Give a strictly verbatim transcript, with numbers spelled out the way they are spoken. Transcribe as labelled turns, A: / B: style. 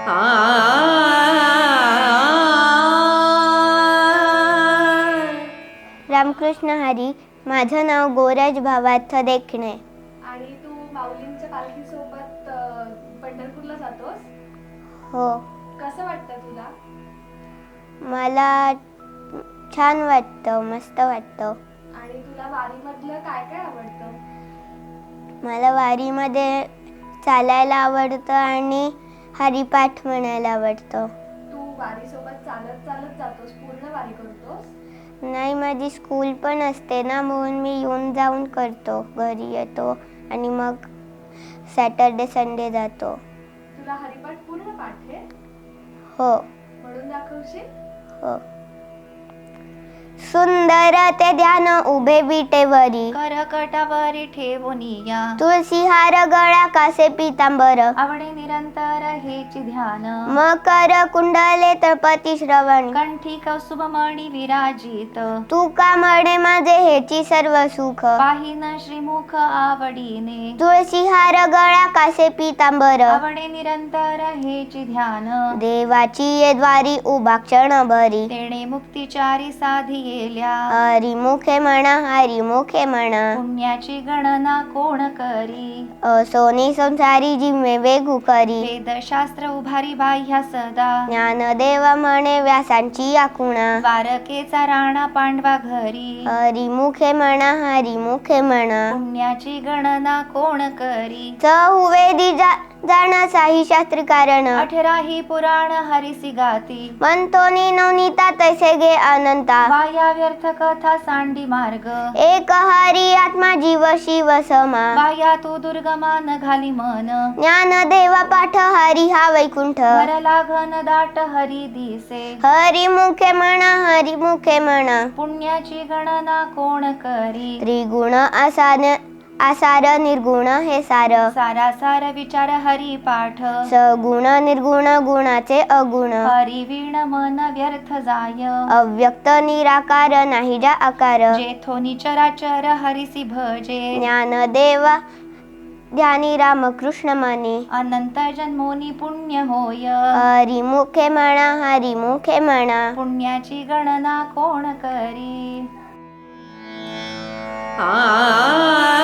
A: रामकृष्ण हरी. माझं नाव गोरज भावार्थ देखणे.
B: आणि तू माऊलींच्या पालखीसोबत पंढरपूरला जातोस?
A: हो.
B: कसं वाटतं तुला?
A: मला छान वाटतं, मस्त वाटतं.
B: आणि तुला वारीमधलं काय काय आवडतं?
A: मला वारीमध्ये चालायला आवडतं आणि हरिपाठ म्हणायला आवडतं.
B: तू वारीसोबत चालत चालत जातोस, पूर्ण वारी करतोस?
A: नाही, माझी स्कूल पण असते ना, म्हणून मी येऊन जाऊन करतो. घरी येतो आणि मग सॅटर्डे संडे जातो.
B: तुला हरिपाठ पूर्ण पाठ आहे?
A: हो.
B: म्हणून दाखवशील?
A: हो. सुंदर ते ध्यान उभे विटेवरी,
C: करकटावरी ठेवूनिया.
A: तुळसी हार गळा कासे पितांबर,
C: आवडे निरंतर हेची ध्यान.
A: मकर कुंडले तळपती श्रवण,
C: कंठी कौस्तुभ मणी विराजित.
A: तू का म्हणे माझे हेची सर्व सुख,
C: पाहिन श्रीमुख आवडीने.
A: तुळसी हार गळा कासे पितांबर,
C: आवडे निरंतर हेची ध्यान.
A: देवाची ये द्वारी उभा क्षणभरी,
C: तेणे मुक्तिचारी साधी गेल्या.
A: हरी मुखे म्हणा, हरी मुखे म्हणा,
C: पुण्याची गणना कोण करी.
A: असोनी संसारी जिम्मे वेगू करी,
C: वेदशास्त्र उभारी बाह्या सदा.
A: ज्ञानदेव म्हणे व्यासांची आखुणा,
C: द्वारकेचा राणा पांडवा घरी.
A: हरी मुखे म्हणा, हरी मुखे म्हणा,
C: पुण्याची गणना कोण करी.
A: चहुवेदी जा जाणसाही शास्त्री कारण,
C: अठराही पुराण हरिसी गाती.
A: म्हणतोनी नवनीता तैसे गे अनंता,
C: वाया व्यर्थ कथा सांडी मार्ग.
A: एक हरी आत्मा जीव शिव समा,
C: वाया तू दुर्गमान घाली मन.
A: ज्ञानदेव पाठ हरी हा वैकुंठ,
C: वर लागन दाट हरी दिसे.
A: हरी मुखे म्हणा, हरी मुखे म्हणा,
C: पुण्याची गणना कोण करी.
A: त्रिगुण आसान आसार निर्गुण हे सार,
C: सारासार विचार हरी पाठ.
A: सगुण निर्गुण गुणाचे अगुण,
C: हरी वीण मन व्यर्थ जाय.
A: अव्यक्त निराकार नाही जा आकार,
C: जेथोनी चराचर हरिसी भजे.
A: ज्ञानदेव ध्यानी रामकृष्ण माने,
C: अनंत जन्मोनी पुण्य होय.
A: हरी मुखे म्हणा, हरी मुखे म्हणा,
C: पुण्याची गणना कोण करी.
A: आ